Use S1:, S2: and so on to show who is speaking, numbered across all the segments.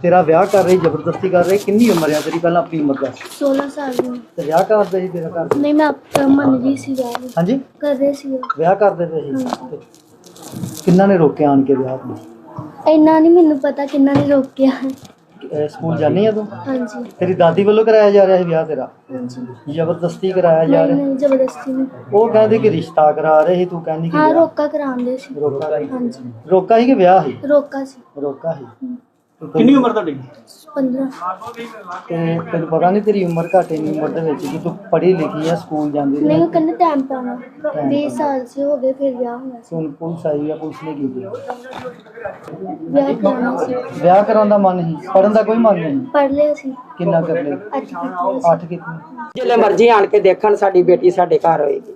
S1: तेरा ब्याह कर रही जबरदस्ती कर रही कितनी उम्र है तेरी पहला अपनी उम्र दस
S2: 16 साल में
S1: ते ब्याह कर दे तेरा कर
S2: नहीं मैं मन रही सी ब्याह
S1: हां जी
S2: कर रहे सी
S1: ब्याह कर दे किन्ना ने रोके आन के ब्याह ਨੂੰ
S2: ਇੰਨਾ ਨਹੀਂ ਮੈਨੂੰ ਪਤਾ ਕਿੰਨਾ ਨੇ ਰੋਕਿਆ
S1: स्कूल जानी है तू
S2: ਹਾਂਜੀ
S1: तेरी दादी वालों कराया जा रहा है ब्याह तेरा
S2: ਹਾਂਜੀ
S1: जबरदस्ती कराया जा रहा है
S2: ਨਹੀਂ ਜ਼ਬਰਦਸਤੀ ਨਹੀਂ
S1: वो कहते कि रिश्ता करा रहे ही तू कहनी कि
S2: ਹਾਂ
S1: ब्याह।
S2: ਰੋਕਾ ਕਰਾਉਂਦੇ ਸੀ
S1: रोका
S2: ਹਾਂਜੀ
S1: रोका ही कि ब्याह ही
S2: ਰੋਕਾ ਸੀ
S1: रोका ही
S3: ਕਿੰਨੀ ਉਮਰ ਤੁਹਾਡੀ
S2: 15
S1: ਤੇ ਤੈਨੂੰ ਪਤਾ ਨਹੀਂ ਤੇਰੀ ਉਮਰ ਘੱਟ ਇੰਨੀ ਉਮਰ ਦੇ ਵਿੱਚ ਕਿ ਤੂੰ ਪੜ੍ਹੀ ਲਿਖੀ ਆ ਸਕੂਲ ਜਾਂਦੀ
S2: ਨਹੀਂ
S1: ਰਹੀ
S2: ਉਹ ਕਹਿੰਦੇ ਟਾਈਮ ਪਾਣਾ 20 ਸਾਲ ਸੇ ਹੋ ਗਏ ਫਿਰ ਵਿਆਹ ਹੋਇਆ ਸੀ
S1: ਹੁਣ ਪੁਲਿਸ ਆਈ ਆ ਪੁਲਿਸ ਨੇ ਕੀ ਕੀਤਾ
S2: ਵਿਆਹ ਕਰਾਉਣਾ ਸੀ
S1: ਵਿਆਹ ਕਰਾਉਣ ਦਾ ਮਨ ਨਹੀਂ ਪੜਨ ਦਾ ਕੋਈ ਮਨ ਨਹੀਂ
S2: ਪੜ ਲਿਆ ਸੀ
S1: ਕਿੰਨਾ ਕਰ ਲੈ
S2: ਅੱਜ ਕੀਤੀ
S1: 8 ਕਿਤਨੀ
S4: ਜਿੱਲੇ ਮਰਜ਼ੀ ਆਣ ਕੇ ਦੇਖਣ ਸਾਡੀ ਬੇਟੀ ਸਾਡੇ ਘਰ ਹੋਏਗੀ।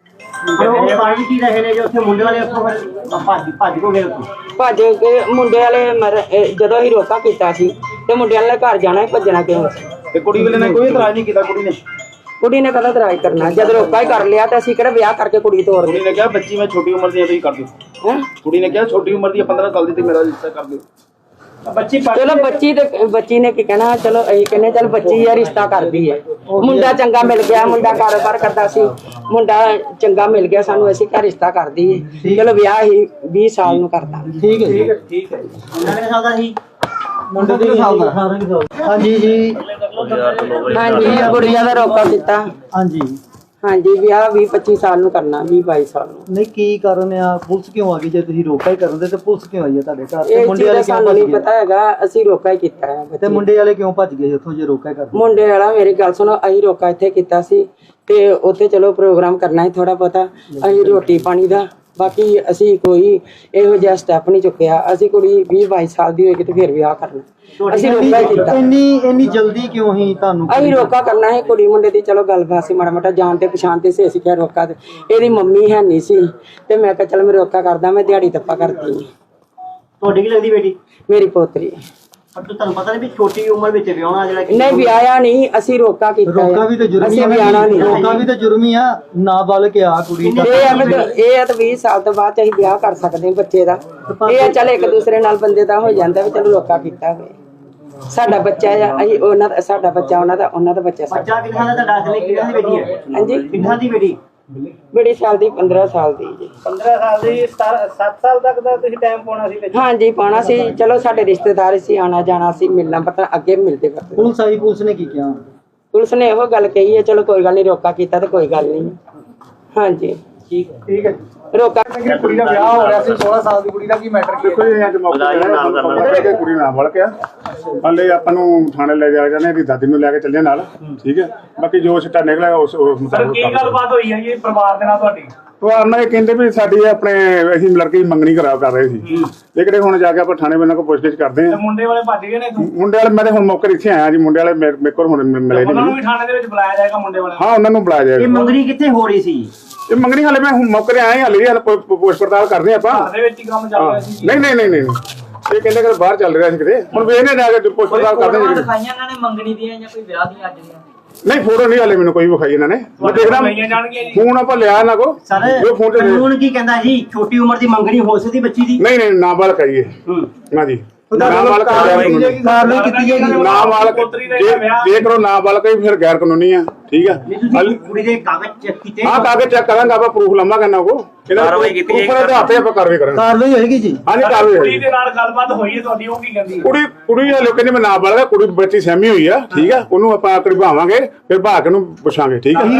S3: ਉਹ ਪਾਣੀ ਕੀ ਰਹੇ ਨੇ ਜੋ ਉੱਥੇ ਮੁੰਡੇ ਵਾਲੇ ਉੱਥੋਂ ਭੱਜ ਕੋ ਗਏ ਉੱਥੋਂ
S4: ਭੱਜ ਕੇ ਮੁੰਡੇ ਵਾਲੇ ਜਦੋਂ ਅਸੀਂ ਰੋਕਾ ਕੀਤਾ ਸੀ ਤੇ ਮੁੰਡੇ ਵਾਲੇ ਘਰ ਜਾਣਾ ਸੀ, ਭੱਜਣਾ ਕਿਉਂ ਸੀ?
S3: ਤੇ ਕੁੜੀ ਵਾਲੇ ਨੇ ਕੋਈ ਇਤਰਾਜ਼ ਨਹੀਂ ਕੀਤਾ
S4: ਕੁੜੀ ਨੇ ਕਦਾ ਇਤਰਾਜ਼ ਕਰਨਾ ਜਦ ਰੋਕਾ ਹੀ ਕਰ ਲਿਆ ਤੇ ਅਸੀਂ ਕਿਹੜਾ ਵਿਆਹ ਕਰਕੇ ਕੁੜੀ ਤੋੜ
S3: ਕੁੜੀ ਨੇ ਕਿਹਾ ਬੱਚੀ ਮੈਂ ਛੋਟੀ ਉਮਰ ਦੀ ਆ ਤੁਸੀਂ ਕਰ ਦਿਓ
S4: ਹੈ
S3: ਕੁੜੀ ਨੇ ਕਿਹਾ ਛੋਟੀ ਉਮਰ ਦੀ 15 ਸਾਲ ਦੀ ਤੇ ਮੇਰਾ ਰਿਸ਼ਤਾ ਕਰ ਦਿਓ ਬੱਚੀ
S4: ਚਲੋ ਬੱਚੀ ਨੇ ਕੀ ਕਹਿਣਾ ਚਲੋ ਅਸੀਂ ਕਹਿੰਦੇ ਚਲ ਬੱਚੀ ਆ ਰਿਸ਼ਤਾ ਕਰਦੀ ਹੈ ਮੁੰਡਾ ਚੰਗਾ ਮਿਲ ਗਿਆ ਮੁੰਡਾ ਕਾਰੋਬਾਰ ਕਰਦਾ ਸੀ ਮੁੰਡਾ ਚੰਗਾ ਮਿਲ ਗਿਆ ਸਾਨੂੰ ਅਸੀਂ ਘਰ ਰਿਸ਼ਤਾ ਕਰਦੀ ਹੈ ਚਲੋ ਵਿਆਹ ਹੀ 20 ਸਾਲ ਨੂੰ ਕਰਦਾ
S1: ਠੀਕ ਹੈ
S3: ਠੀਕ ਹੈ ਮੁੰਡਾ ਕਿੰਨੇ ਸਾਲ ਦਾ ਸੀ
S1: ਮੁੰਡੇ ਦੇ ਸਾਲ ਦਾ ਹਾਂਜੀ ਜੀ
S4: ਹਾਂਜੀ ਕੁੜੀਆਂ ਦਾ ਰੋਕਾ ਕੀਤਾ
S1: ਹਾਂਜੀ
S4: ਹਾਂਜੀ ਵਿਆਹ 20-25 ਸਾਲ ਨੂੰ ਕਰਨਾ 20-22 ਸਾਲ ਨੂੰ
S1: ਨਹੀਂ ਕੀ ਕਾਰਨ ਆ ਪੁਲਿਸ ਕਿਉਂ ਆ ਗਈ ਜੇ ਤੁਸੀਂ ਰੋਕਾ ਹੀ ਕਰਦੇ ਤੇ ਪੁਲਿਸ ਕਿਉਂ ਆਈ ਹੈ ਤੁਹਾਡੇ ਘਰ ਤੇ
S4: ਇਹ
S1: ਮੁੰਡੇ
S4: ਚੀਜ਼
S1: ਵਾਲੇ
S4: ਦਾ
S1: ਕਿਉਂ
S4: ਸਾਨੂੰ
S1: ਭੱਜ
S4: ਨਹੀਂ
S1: ਗਏ
S4: ਪਤਾ ਹੈਗਾ ਅਸੀਂ ਰੋਕਾ ਹੀ ਕੀਤਾ ਹੈ
S1: ਤੇ ਮੁੰਡੇ ਵਾਲੇ ਕਿਉਂ ਭੱਜ ਗਏ ਉੱਥੋਂ ਜੇ ਰੋਕਾ ਹੀ ਕਰਦੇ
S4: ਮੁੰਡੇ ਵਾਲਾ ਮੇਰੀ ਗੱਲ ਸੁਣੋ ਅਸੀਂ ਰੋਕਾ ਇੱਥੇ ਕੀਤਾ ਸੀ ਤੇ ਉੱਥੇ ਚਲੋ ਪ੍ਰੋਗਰਾਮ ਕਰਨਾ ਹੈ ਥੋੜਾ ਬਹੁਤਾ ਅਸੀਂ ਰੋਟੀ ਪਾਣੀ ਦਾ ਬਾਕੀ ਅਸੀਂ ਕੋਈ ਇਹੋ ਜਿਹਾ ਸਟੈਪ ਨਹੀਂ ਚੁੱਕਿਆ ਅਸੀਂ ਕੁੜੀ 20-22 ਸਾਲ ਦੀ ਹੋਏਗੀ ਤੇ ਫਿਰ ਵਿਆਹ ਕਰਨਾ ਅਸੀਂ ਰੋਕਾ ਹੀ ਕੀਤਾ
S1: ਇੰਨੀ ਜਲਦੀ ਕਿਉਂ ਹੀ ਤੁਹਾਨੂੰ
S4: ਅਸੀਂ ਰੋਕਾ ਕਰਨਾ ਹੈ ਕੁੜੀ ਮੁੰਡੇ ਦੀ ਚਲੋ ਗੱਲਬਾਤ ਸੀ ਮਾੜਾ ਮਾੜਾ ਜਾਣ ਤੇ ਪਛਾਣ ਤੇ ਸੀ ਅਸੀਂ ਕਿਹਾ ਰੋਕਾ ਤੇ ਇਹਦੀ ਮੰਮੀ ਹੈ ਨਹੀਂ ਸੀ ਤੇ ਮੈਂ ਕਿਹਾ ਚਲ ਮੈਂ ਰੋਕਾ ਕਰਦਾ ਮੈਂ ਦਿਹਾੜੀ ਤੱਪਾ ਕਰਦੀ
S3: ਤੁਹਾਡੀ ਕੀ ਲੱਗਦੀ ਬੇਟੀ
S4: ਮੇਰੀ ਪੋਤਰੀ
S3: ਪਰ ਤੁਹਾਨੂੰ ਪਤਾ ਨਹੀਂ ਵੀ ਛੋਟੀ ਉਮਰ ਵਿੱਚ ਵਿਆਹਣਾ ਜਿਹੜਾ
S4: ਨਹੀਂ ਵਿਆਹਿਆ ਨਹੀਂ ਅਸੀਂ ਰੋਕਾ ਕੀਤਾ
S1: ਰੋਕਾ ਵੀ ਤਾਂ ਜੁਰਮ
S4: ਅਸੀਂ
S1: ਹੀ
S4: ਵਿਆਹਣਾ ਨਹੀਂ
S1: ਰੋਕਾ ਵੀ ਤਾਂ ਜੁਰਮ ਹੀ ਆ ਨਾਬਾਲਗ ਆ ਕੁੜੀ ਦਾ
S4: ਇਹ ਆ ਤਾਂ 20 ਸਾਲ ਤੋਂ ਬਾਅਦ ਅਸੀਂ ਵਿਆਹ ਕਰ ਸਕਦੇ ਹਾਂ ਬੱਚੇ ਦਾ ਇਹ ਆ ਚੱਲ ਇੱਕ ਦੂਸਰੇ ਨਾਲ ਬੰਦੇ ਦਾ ਹੋ ਜਾਂਦਾ ਵੀ ਚਲੋ ਰੋਕਾ ਕੀਤਾ ਹੋਵੇ ਸਾਡਾ ਬੱਚਾ ਆ ਅਸੀਂ ਉਹਨਾਂ ਦਾ ਸਾਡਾ ਬੱਚਾ ਉਹਨਾਂ ਦਾ ਬੱਚਾ ਸਾਡਾ
S3: ਬੱਚਾ ਕਿੰਨਾ ਦਾ ਤੁਹਾਡਾ ਅਸਲੀ ਕਿੰਨਾ ਦੀ ਬੇਟੀ ਹੈ
S4: ਹਾਂਜੀ
S3: ਕਿੰਨਾ ਦੀ ਬੇਟੀ
S4: ਬੜੀ ਸਾਲ ਦੀ 15 ਸਾਲ ਦੀ ਜੀ
S3: 15 ਸਾਲ ਦੀ 7 ਸਾਲ ਤੱਕ ਦਾ ਤੁਸੀਂ ਟਾਈਮ ਪਾਉਣਾ ਸੀ ਵਿੱਚ
S4: ਹਾਂਜੀ ਪਾਉਣਾ ਸੀ ਚਲੋ ਸਾਡੇ ਰਿਸ਼ਤੇਦਾਰ ਸੀ ਆਣਾ ਜਾਣਾ ਸੀ ਮਿਲਣਾ ਪਤਾ ਅੱਗੇ ਮਿਲਦੇ ਕਰਦੇ
S1: ਪੁਲਿਸ ਆਈ ਪੁਲਿਸ ਨੇ ਕੀ ਕਿਹਾ
S4: ਪੁਲਿਸ ਨੇ ਇਹੋ ਗੱਲ ਕਹੀ ਹੈ ਚਲੋ ਕੋਈ ਗੱਲ ਨਹੀਂ ਰੋਕਾ ਕੀਤਾ ਤੇ ਕੋਈ ਗੱਲ ਨਹੀਂ ਹਾਂਜੀ
S1: ਠੀਕ ਹੈ
S4: ਰੋਕਾ
S1: ਕੁੜੀ ਦਾ ਵਿਆਹ ਹੋ ਰਿਹਾ ਸੀ 16 ਸਾਲ ਦੀ ਕੁੜੀ ਦਾ ਕੀ ਮੈਟਰ ਕੀ
S5: ਦੇਖੋ ਜੀ ਅੱਜ ਮੌਕਾ ਮਿਲਿਆ ਕੁੜੀ ਨਾਲ ਵੜ ਗਿਆ ਹਾਲੇ ਆਪਾਂ ਨੂੰ ਥਾਣੇ ਲੈ ਜਾ ਜਾਂਦੇ ਇਹਦੀ ਦਾਦੀ ਨੂੰ ਲੈ ਕੇ ਚੱਲੇ ਨਾਲ ਠੀਕ ਹੈ ਬਾਕੀ ਜੋ ਸਿੱਟਾ ਨਿਕਲਿਆ ਉਸ ਮੁਤਾਬਕ
S3: ਕੀ ਗੱਲਬਾਤ ਹੋਈ ਹੈ ਜੀ ਪਰਿਵਾਰ ਦੇ ਨਾਲ ਤੁਹਾਡੀ
S5: ਪਰਿਵਾਰ ਨਾਲ ਇਹ ਕਹਿੰਦੇ ਵੀ ਸਾਡੀ ਆਪਣੇ ਅਸੀਂ ਲੜਕੇ ਦੀ ਮੰਗਣੀ ਕਰ ਰਹੇ ਸੀ ਲੇਕਿਨ ਹੁਣ ਜਾ ਕੇ ਆਪਾਂ ਥਾਣੇ ਬੰਨਾਂ ਕੋਲ ਪੁੱਛਗਿੱਛ ਕਰਦੇ ਹਾਂ
S3: ਮੁੰਡੇ ਵਾਲੇ ਭੱਜ ਗਏ ਨੇ
S5: ਮੁੰਡੇ ਵਾਲੇ ਮੈਂ ਹੁਣ ਮੌਕੇ ਇੱਥੇ ਆਇਆ ਜੀ ਮੁੰਡੇ ਵਾਲੇ ਮੇਰੇ ਕੋਲ ਹੁਣ ਮਿਲੇ
S3: ਉਹਨਾਂ ਨੂੰ
S5: ਨਹੀਂ
S3: ਵੀ ਥਾਣੇ ਦੇ ਵਿੱਚ ਬੁਲਾਇਆ ਜਾਏਗਾ ਮੁੰਡੇ ਵਾਲੇ
S5: ਹਾਂ ਉਹਨਾਂ ਨੂੰ ਬੁਲਾਇਆ ਜਾਏਗਾ
S3: ਮੰਗਣੀ ਕਿੱਥੇ ਹੋ ਰਹੀ ਸੀ
S5: ਇਹ ਮੰਗਣੀ ਹਾਲੇ ਮੈਂ ਹੁਣ ਮੌਕੇ ਤੇ ਆਇਆ ਹਾਲੇ ਪੁੱਛ ਪੜਤਾਲ ਕਰਦੇ ਆਪਾਂ
S3: ਘਰ ਦੇ ਵਿੱਚ ਹੀ ਕੰਮ ਚੱਲ ਰਿਹਾ ਸੀ
S5: ਨਹੀਂ ਇਹ ਕਹਿੰਦੇ ਕਿ ਬਾਹਰ ਚੱਲ ਰਿਹਾ ਸੀ ਕਿਤੇ ਹੁਣ ਵੇਖਨੇ ਜਾ ਕੇ ਪੁੱਛ ਪੜਤਾਲ ਕਰਦੇ ਹਾਂ
S6: ਦਿਖਾਈਆਂ ਇਹਨਾਂ ਨੇ ਮੰਗਣੀ ਦੀਆਂ ਜਾਂ ਕੋਈ ਵਿਆਹ ਦੀਆਂ ਅੱਜ ਦੀਆਂ
S5: ਨਹੀਂ ਫੋਟੋ ਨਹੀਂ ਹਾਲੇ ਮੈਨੂੰ ਕੋਈ ਵਿਖਾਈ ਇਹਨਾਂ ਨੇ ਮੈਂ ਦੇਖਦਾ ਫੋਨ ਆਪਾਂ ਲਿਆ ਇਹਨਾਂ ਕੋ
S3: ਸਰ
S5: ਉਹ ਫੋਨ ਤੇ
S3: ਕਾਨੂੰਨ ਕੀ ਕਹਿੰਦਾ ਜੀ ਛੋਟੀ ਉਮਰ ਦੀ ਮੰਗਣੀ ਹੋ ਸਕਦੀ ਬੱਚੀ ਦੀ
S5: ਨਹੀਂ ਨਾਬਾਲਗ ਕਰੀਏ ਨਾ ਜੀ ਨਾਬਾਲਗ
S1: ਕਾਰਵਾਈ ਕੀਤੀ ਜਾਏਗੀ
S5: ਨਾਬਾਲਗ ਜੇ ਕਰੋ ਨਾਬਾਲਗ ਹੀ ਫਿਰ ਗੈਰ ਕਾਨੂੰਨੀ ਆ ਠੀਕ ਆ
S3: ਕੁੜੀ ਦੇ ਕਾਗਜ਼ ਚੈੱਕ ਕੀਤੇ
S5: ਹਾਂ ਕਾਗਜ਼ ਚੈੱਕ ਕਰਾਂਗਾ ਆਪਾਂ ਪ੍ਰੂਫ ਲੰਮਾ ਕਰਨਾ ਕੋ ਕਾਰਵਾਈ ਕੀਤੀ ਜਾਏਗੀ ਉੱਪਰ ਹੱਥੇ ਆਪਾਂ ਕਾਰਵਾਈ ਕਰਾਂਗੇ
S1: ਕਾਰਵਾਈ ਹੋਏਗੀ ਜੀ
S5: ਹਾਂਜੀ ਕਾਰਵਾਈ
S3: ਕੁੜੀ
S5: ਹੋਏਗੀ
S3: ਦੇ ਨਾਲ ਗੱਲਬਾਤ ਹੋਈ ਹੈ ਤੁਹਾਡੀ ਉਹ ਕੀ ਕਹਿੰਦੀ
S5: ਕੁੜੀ ਆ ਲੋਕਾਂ ਨੇ ਮੈਂ ਨਾਬਾਲਗ ਆ ਕੁੜੀ ਬੱਚੀ ਸਹਿਮੀ ਹੋਈ ਆ ਠੀਕ ਆ ਉਹਨੂੰ ਆਪਾਂ ਕਢਵਾਵਾਂਗੇ ਫਿਰ ਭਾਗ ਨੂੰ ਪੁੱਛਾਂਗੇ ਠੀਕ ਆ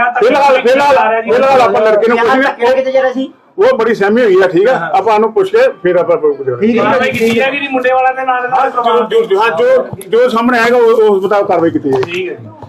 S5: ਫਿਲਹਾਲ ਆਪਾਂ ਲੜਕੇ ਨੂੰ ਪੁੱਛਾਂਗੇ
S3: ਕਿਤੇ ਜਰਾ ਸੀ
S5: ਉਹ ਬੜੀ ਸਹਿਮੀ ਹੋਈ ਆ ਠੀਕ ਆ ਆਪਾਂ ਉਹਨੂੰ ਪੁੱਛ ਕੇ ਫਿਰ ਆਪਾਂ
S1: ਠੀਕ
S3: ਕਾਰਵਾਈ ਕੀਤੀ ਹੈ ਕਿ ਮੁੰਡੇ ਵਾਲਿਆਂ ਦੇ ਨਾਲ
S5: ਜੋ ਸਾਹਮਣੇ ਆਏਗਾ ਉਸ ਮੁਤਾਬਕ ਕਾਰਵਾਈ ਕੀਤੀ ਜਾਏਗੀ
S3: ਠੀਕ ਹੈ ਜੀ